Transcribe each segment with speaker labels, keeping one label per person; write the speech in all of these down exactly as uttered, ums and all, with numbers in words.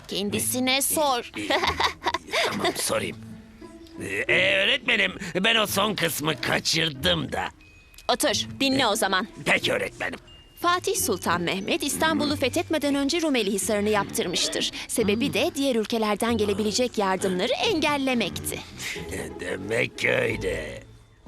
Speaker 1: Kendisine sor.
Speaker 2: Tamam, sorayım. Ee, öğretmenim, ben o son kısmı kaçırdım da.
Speaker 1: Otur, dinle o zaman.
Speaker 2: Peki öğretmenim.
Speaker 1: Fatih Sultan Mehmet İstanbul'u fethetmeden önce Rumeli Hisarı'nı yaptırmıştır. Sebebi de diğer ülkelerden gelebilecek yardımları engellemekti.
Speaker 2: Demek öyle.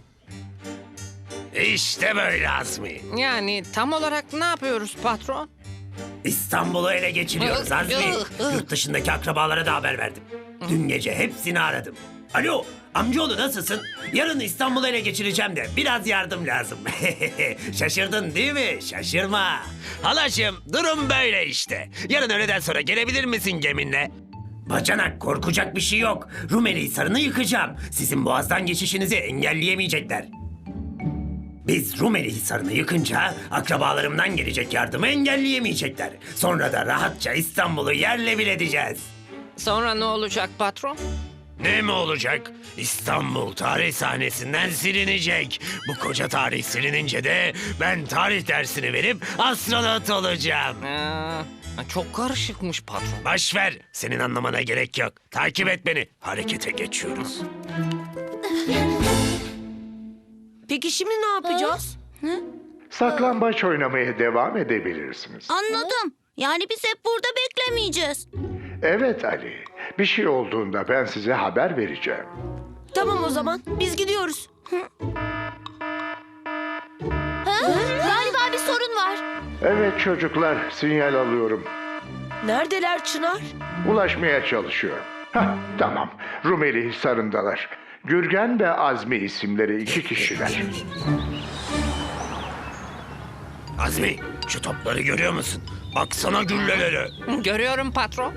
Speaker 2: İşte böyle Azmi.
Speaker 3: Yani tam olarak ne yapıyoruz patron?
Speaker 2: İstanbul'u ele geçiriyoruz Azmi. Yurt dışındaki akrabalara da haber verdim. Dün gece hepsini aradım. Alo, amcaoğlu nasılsın? Yarın İstanbul'u ele geçireceğim de biraz yardım lazım. Şaşırdın değil mi? Şaşırma. Halaşım, durum böyle işte. Yarın öğleden sonra gelebilir misin geminle? Bacanak, korkacak bir şey yok. Rumeli Hisarı'nı yıkacağım. Sizin boğazdan geçişinizi engelleyemeyecekler. Biz Rumeli Hisarı'nı yıkınca akrabalarımdan gelecek yardımı engelleyemeyecekler. Sonra da rahatça İstanbul'u yerle bir edeceğiz.
Speaker 3: Sonra ne olacak patron?
Speaker 2: Ne mi olacak? İstanbul tarih sahnesinden silinecek. Bu koca tarih silinince de ben tarih dersini verip astronot olacağım.
Speaker 3: Ee, çok karışıkmış patron.
Speaker 2: Boş ver, senin anlamana gerek yok. Takip et beni. Harekete geçiyoruz.
Speaker 4: Peki şimdi ne yapacağız?
Speaker 5: Saklambaç oynamaya devam edebilirsiniz.
Speaker 6: Anladım. Yani biz hep burada beklemeyeceğiz.
Speaker 5: Evet Ali, bir şey olduğunda ben size haber vereceğim.
Speaker 4: Tamam o zaman biz gidiyoruz.
Speaker 1: Galiba bir sorun var.
Speaker 5: Evet çocuklar, sinyal alıyorum.
Speaker 4: Neredeler Çınar?
Speaker 5: Ulaşmaya çalışıyorum. Hah, tamam. Rumeli Hisarı'ndalar. Gürgen ve Azmi isimleri iki kişiler.
Speaker 2: Azmi, şu topları görüyor musun? Baksana güllelere.
Speaker 3: Görüyorum patron.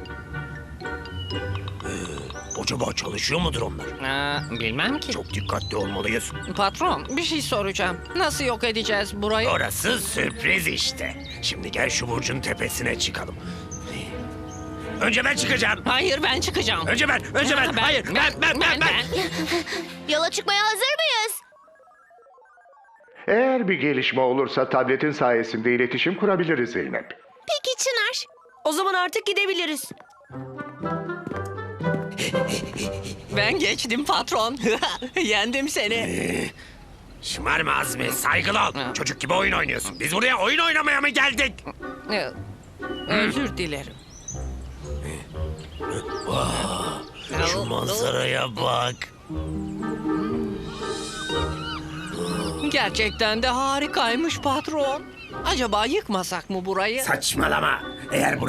Speaker 2: Acaba çalışıyor mudur onlar?
Speaker 3: Ee, bilmem ki.
Speaker 2: Çok dikkatli olmalıyız.
Speaker 3: Patron bir şey soracağım. Nasıl yok edeceğiz burayı?
Speaker 2: Orası sürpriz işte. Şimdi gel şu burcun tepesine çıkalım. Önce ben çıkacağım.
Speaker 3: Hayır ben çıkacağım.
Speaker 2: Önce ben, önce ben.
Speaker 3: Ben-
Speaker 2: Hayır, ben, ben, ben, ben.
Speaker 1: Yola çıkmaya hazır mıyız?
Speaker 5: Eğer bir gelişme olursa tabletin sayesinde iletişim kurabiliriz Zeynep.
Speaker 1: Peki Çınar.
Speaker 4: O zaman artık gidebiliriz.
Speaker 3: Ben geçtim patron. Yendim seni.
Speaker 2: Şımarma Azmi, saygılı ol. Çocuk gibi oyun oynuyorsun. Biz buraya oyun oynamaya mı geldik?
Speaker 3: Ee, Özür dilerim.
Speaker 2: Şu manzaraya bak.
Speaker 3: Gerçekten de harikaymış patron. Acaba yıkmasak mı burayı?
Speaker 2: Saçmalama. Eğer